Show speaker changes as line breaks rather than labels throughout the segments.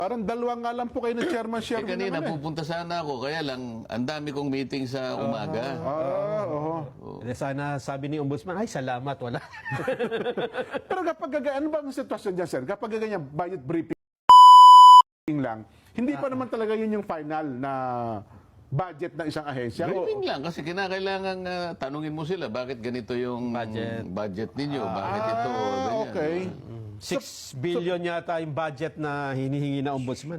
Parang dalawa nga lang po kayo ng chairman
Eh,
Sherwin
kanina
naman eh.
pupunta sana ako, kaya lang ang dami kong meeting sa umaga.
Oo.
Sana sabi ni Ombudsman, ay salamat, wala.
Pero kapag ano ba ang sitwasyon dyan, sir? Kapag ganyan, budget briefing lang, hindi pa naman talaga yun yung final na budget ng isang ahensya.
Briefing lang kasi kinakailangan tanungin mo sila bakit ganito yung budget ninyo, bakit ito, ganyan.
Okay.
6 billion yata yung budget na hinihingi na Ombudsman.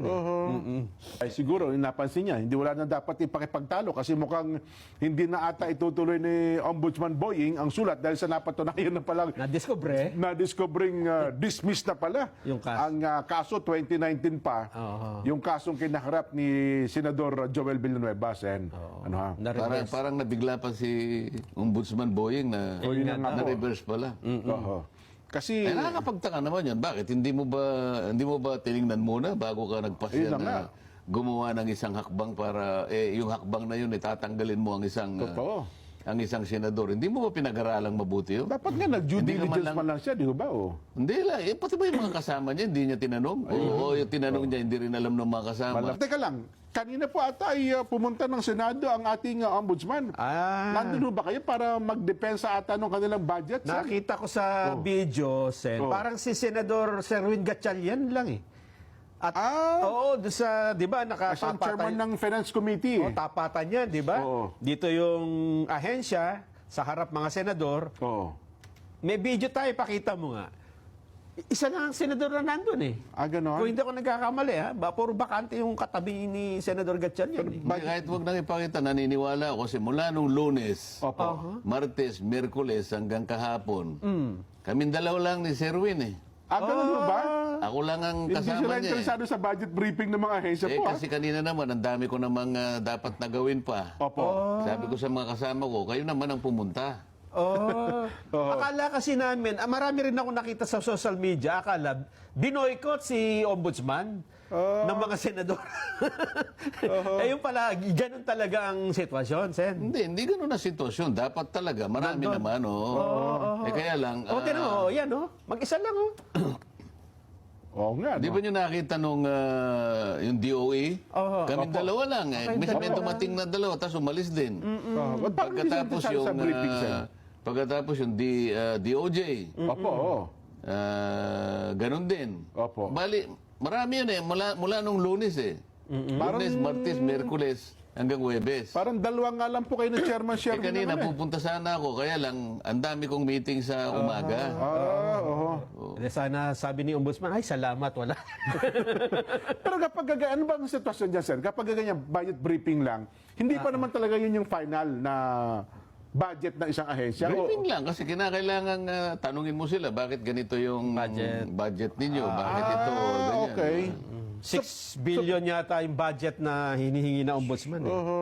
Ay siguro, napansin niya, hindi wala na dapat ipakipagtalo kasi mukhang hindi na ata itutuloy ni Ombudsman Boying ang sulat dahil sa napatunayan na palang
Na-discover
na-discovering dismissed na pala
Yung kaso.
ang kaso 2019 pa, yung kasong kinaharap ni Senador Joel Villanueva. Ano ha?
Parang nabigla pa si Ombudsman Boying na
yun na nga po.
na-reverse pala.
Oho. Kasi
Eh, nakakapagtaka naman yan. Bakit? Hindi mo ba tiningnan muna bago ka nagpasya
Ayun na nga.
na gumawa ng isang hakbang para, yung hakbang na yun, tatanggalin mo ang isang,
totoo.
ang isang senador. Hindi mo ba pinag-aralang mabuti yun?
Dapat nga nag-due
Hindi ka man
diligence
lang-
man lang siya, di ba? Oh.
Hindi lang. Pati ba yung mga kasama niya, hindi niya tinanong? Oo, yung tinanong niya, hindi rin alam ng mga kasama.
Teka lang, kanina po ata ay pumunta ng Senado ang ating ombudsman. Nandun ba kayo para magdepensa ata ng kanilang budget? sir?
Nakita ko sa video, Sen,
Oh.
parang si Senador Sherwin Gatchalian lang eh. At, oo, doon sa, di ba,
As ang chairman ng Finance Committee.
Oh, tapatan yan, di ba?
Oo.
Dito yung ahensya, sa harap mga senador.
Oo.
May video tayo, pakita mo nga. Isa lang ang senador na nandun eh.
Ganon?
Kung hindi ako nagkakamali, ha? Puro bakante yung katabi ni Senador Gatchalian eh.
Kahit huwag nang ipakita, naniniwala ako kasi mula nung Lunes,
Opo.
Martes, Miyerkules hanggang kahapon, kaming dalaw lang ni Sherwin eh.
Ganun mo ba?
Ako lang ang
Hindi
kasama
sila
niya eh.
interesado sa budget briefing ng mga ahensya po.
Kasi kanina naman, ang dami ko namang dapat na gawin pa.
Opo.
Sabi ko sa mga kasama ko, kayo naman ang pumunta.
Akala kasi namin, marami rin ako nakita sa social media, akala, binoykot si Ombudsman ng mga senador. Eh yung pala, ganun talaga ang sitwasyon, Sen.
Hindi ganun na sitwasyon. Dapat talaga, marami naman, kaya lang,
Tinan mo, yan, mag-isa lang,
Oo nga.
di ba nyo nakita nung yung DOE? Kaming dalawa lang. May dumating na dalawa, tapos umalis din. Pagkatapos yung,
sa briefing, sir.
pagkatapos yung DOJ,
Opo. Oo.
ganun din.
Opo.
Bali, marami yun eh, mula nung Lunes eh. Lunes, Martes, Miyerkules, hanggang Huwebes.
Parang dalawa nga lang po kayo ng chairman Sherwin
Kanina
naman eh.
pupunta sana ako, kaya lang ang dami kong meeting sa umaga.
Oo.
Sana sabi ni Ombudsman, ay salamat, wala.
Pero kapag ano ba ang sitwasyon dyan, sir? Kapag ganyan, budget briefing lang, hindi pa naman talaga yun yung final na budget ng isang ahensya.
Briefing lang kasi kinakailangan tanungin mo sila bakit ganito yung budget ninyo, bakit ito, ganyan.
Okay.
6 billion yata yung budget na hinihingi na Ombudsman.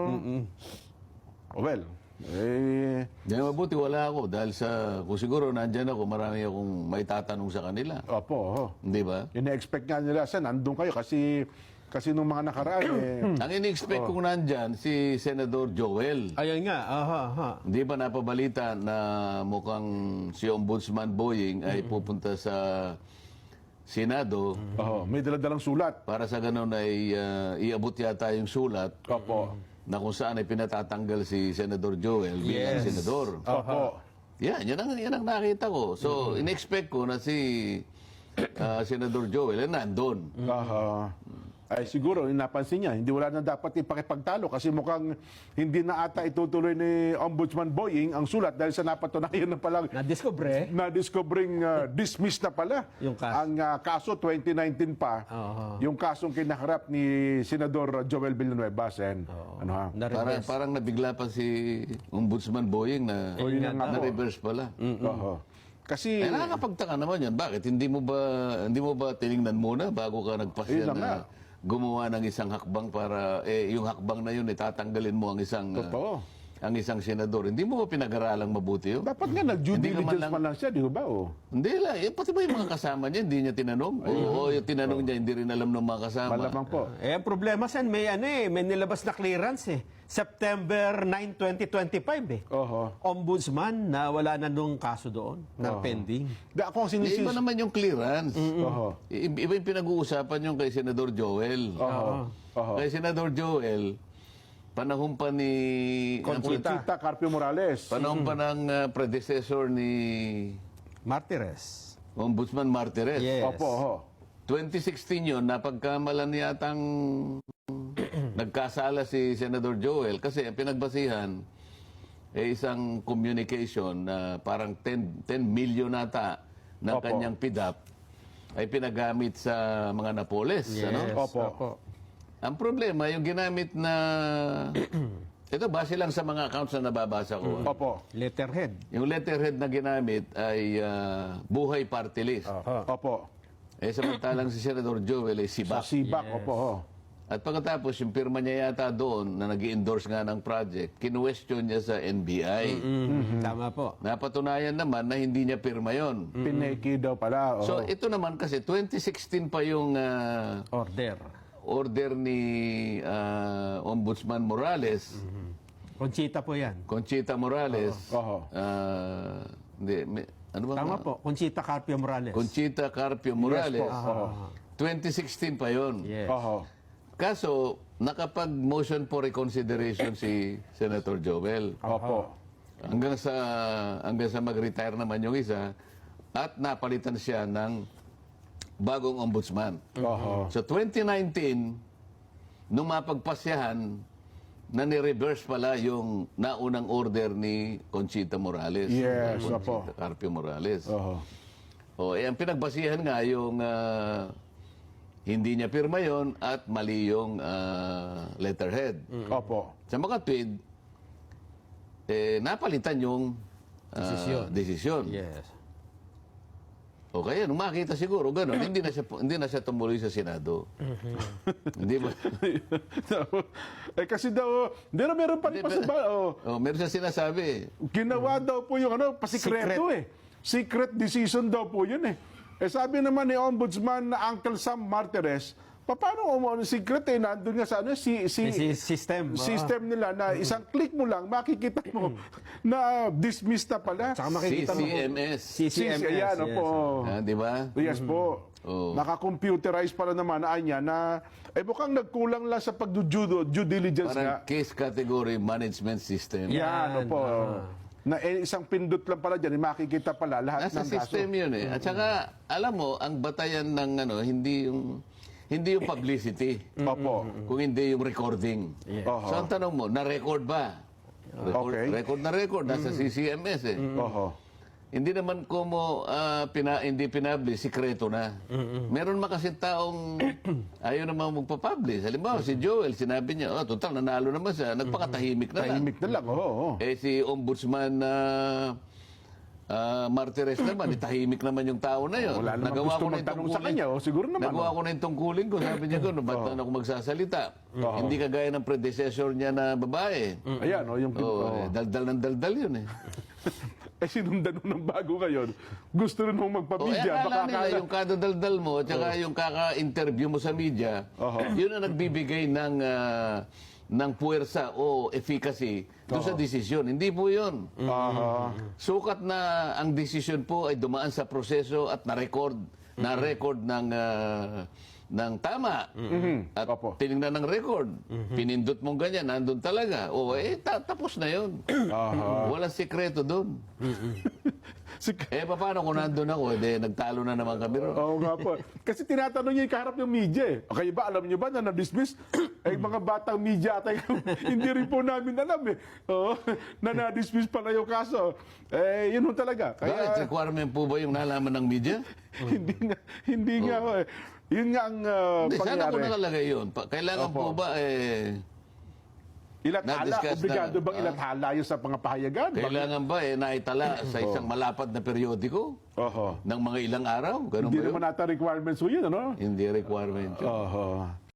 Well,
Di mabuti wala ako dahil kung siguro nandyan ako, marami akong may tatanong sa kanila.
opo.
Hindi ba?
Ine-expect nga nila, sir, nandun kayo kasi nung mga nakaraan,
Ang in-expect kong nandyan, si Senador Joel.
Ayun nga,
Hindi ba napabalita na mukhang si Ombudsman Boying ay pupunta sa Senado
may daladalang sulat.
para sa ganun ay iabot yata yung sulat
Opo.
na kung saan ay pinatatanggal si Senador Joel bilang senador.
Opo.
Yan ang nakita ko. So, in-expect ko na si Senador Joel ay nandun.
Ay siguro, napansin niya, hindi wala na dapat ipakipagtalo kasi mukhang hindi na ata itutuloy ni Ombudsman Boying ang sulat dahil sa napatunayan na palang na-discovering dismissed na pala
Yung kaso.
ang kaso 2019 pa, yung kasong kinaharap ni Senador Joel Villanueva. Ano ha?
Parang nabigla pa si Ombudsman Boying na
yun na nga po.
na-reverse pala.
Kasi,
Nakakapagtaka naman yan. Bakit? Hindi mo ba tiningnan muna bago ka nagpasya
Ayun na nga.
na gumawa ng isang hakbang para, yung hakbang na yun, tatanggalin mo ang isang,
totoo.
ang isang senador. Hindi mo ba pinag-aralang mabuti yun?
Dapat nga nag-due
Hindi ka man
diligence
lang-
man lang siya, di ba? Oh.
Hindi lang. Pati ba yung mga kasama niya, hindi niya tinanong? Oo, yung tinanong niya, hindi rin alam ng mga kasama.
Malamang po.
Ang problema Sen, may may nilabas na clearance September 9, 2025
Oho.
Ombudsman na wala na nung kaso doon, na pending.
Ako ang
Iba
sinisis...
naman yung clearance.
Oho.
Iba yung pinag-uusapan yung kay Senador Joel.
Oho. Oho.
Kay Senador Joel, panahon pa ni...
Conchita Carpio Morales.
Panahon pa ng predecessor ni
Martires.
Ombudsman Martires.
Yes.
Opo, oho.
2016 yun, napagkamalan yatang nagkasala si Senador Joel kasi ang pinagbasihan isang communication na parang 10 million nata ng
Opo.
kanyang PIDAP ay pinagamit sa mga Napoles.
Yes.
Ano?
Opo.
Ang problema, yung ginamit na... Ito, base lang sa mga accounts na nababasa ko.
Opo.
Letterhead.
Yung letterhead na ginamit ay Buhay Party List.
Opo.
Samantalang si Senador Joel ay
Sa
Sibak.
Sibak, opo. Ho.
At pagkatapos, yung pirma niya yata doon na nag-endorse nga ng project, kinwestiyon niya sa NBI.
Tama po.
Napatunayan naman na hindi niya pirma yon.
Pineki daw pala. Oho.
So ito naman kasi, 2016 pa yung order ni Ombudsman Morales,
Conchita po yan.
Conchita Morales.
Oho.
Ano ba?
Tama po. Conchita Carpio Morales.
Conchita Carpio Morales.
Yes po. Oho.
2016 pa yon.
Yes.
Oho.
Kaso, nakapag-motion for reconsideration si Senator Joel.
Opo.
Hanggang sa mag-retire naman yung isa at napalitan siya ng bagong ombudsman.
Oho.
So 2019, nung mapagpasyahan, na ni-reverse pala yung naunang order ni Conchita Morales.
Yes,
Conchita
opo.
Carpio Morales.
Oho.
Ang pinagbasihan nga yung hindi niya pirma yon at mali yung letterhead.
Opo.
Sa mga tweet, napalitan yung desisyon.
Yes.
O kaya, nung makita siguro, gano'n, hindi na siya tumuloy sa Senado. Hindi ba?
Kasi daw, meron pa rin
Meron siya sinasabi.
ginawa daw po yung pasikreto Secret decision daw po yun sabi naman ni Ombudsman na Uncle Sam Martires, paano secret nandun nga sa
System.
system nila na isang click mo lang, makikita mo na dismiss na pala.
Tsaka makikita mo.
CCMS.
CCMS.
Ayan,
yes.
opo.
Di ba?
Yes po.
Oo.
Naka-computerize pala naman niya na mukhang nagkulang lang sa pag-due diligence nga.
Parang case category management system.
Yan, opo. Na isang pindot lang pala dyan, makikita pala lahat
Nasa
ng kaso.
system yun At saka, alam mo, ang batayan ng hindi yung publicity.
Opo.
Kung hindi yung recording.
Oho.
So ang tanong mo, na-record ba?
Okay.
Record na record, nasa CCMS
Oho.
Hindi naman kumo hindi pinablis, sikreto na. Meron kasi taong ayaw naman magpapublish. Halimbawa, si Joel, sinabi niya, total, nanalo naman siya. Nagpakatahimik na lang.
Tahimik na lang, oo.
Si Ombudsman Martires naman, tahimik naman yung tao na yun.
Wala naman gusto magtanong sa kanya, siguro naman.
Nagawa ko na yung tungkulin ko. Sabi niya ko, ba't ako magsasalita? Hindi kagaya ng predecessor niya na babae.
Ayan, yung...
Daldal ng daldal yun
sinundan mo ng bago ngayon. Gusto rin mong magpa-media.
Akala nila yung kadadaldal mo at saka yung kaka-interview mo sa media, yun ang nagbibigay ng puwersa o efficacy doon sa desisyon. Hindi po yun. Sukat na ang desisyon po ay dumaan sa proseso at na-record ng tama. At tinignan ng record. Pinindot mong ganyan, nandun talaga. Tapos na yun. Walang sikreto doon. Paano kung nandun ako? Nagtalo na naman kami ron.
Oo nga po. Kasi tinatanong niya yung kaharap ng media Okay ba, alam niyo ba na na-dismiss? Mga batang media atay hindi rin po namin alam na na-dismiss pala yung kaso. Yun ho talaga.
Bakit? Requirement po ba yung nalaman ng media?
hindi nga Yun nga ang
Sana
pangyari.
ko nakalagay yun. Kailangan po ba
Ilathala?
na-discuss
Obligado
na-
bang ilathala yun sa pangapahayagan?
kailangan ba naitala sa isang malapad na periodiko
Oho.
ng mga ilang araw? Ganun
Hindi
ba yun?
naman nata requirements ho yun, ano?
Hindi requirement yun.
Oho.